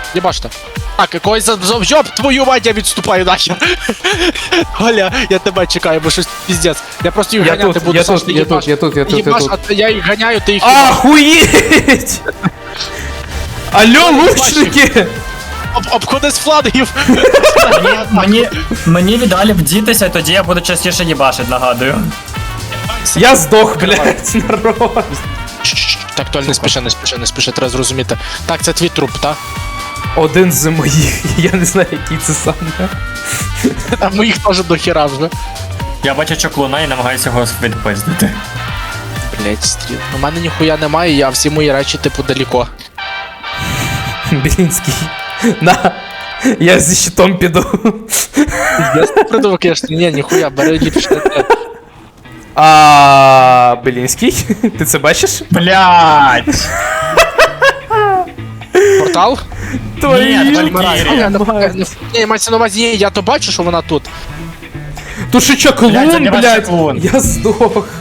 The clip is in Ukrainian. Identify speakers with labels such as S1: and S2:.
S1: Єбаште. Так, якогось завжоб, твою мать, я відступаю нахер. Оля, я тебе чекаю, бо щось піздець. Я просто їх ганяти буду, Саш, ти їбаш.
S2: Я тут.
S1: Їбаш, а я їх ганяю, ти їх їбаш.
S2: Охуеть! Алло, лучники!
S1: Обходи з флангів.
S3: Мені віддалі вдітися, тоді я буду частіше їбашить, нагадую.
S2: Я здох, блядь, народ.
S1: Так, Толь, не спіши, треба зрозуміти. Так, це твій труп, так?
S2: Один з моїх, я не знаю, який це саме.
S1: А моїх теж до хіра вже.
S3: Я бачу чоклуна і намагаюся його відпиздити.
S1: Блять, стріл. У мене ніхуя немає, я всі мої речі, типу, далеко.
S2: Білінський. На, я зі щитом піду.
S1: Я придумав, конечно, ні, ніхуя, бери ліпше.
S2: Білінський? Ти це бачиш?
S3: Блять!
S1: Портал?
S3: Ні,
S1: Валькірія.
S3: Валькірія.
S1: Ні, мається на увазі, я то бачу, що вона тут.
S2: Тут ще чаклун,
S3: Блядь, забирай
S2: блядь.
S3: чаклун.
S2: Я здох.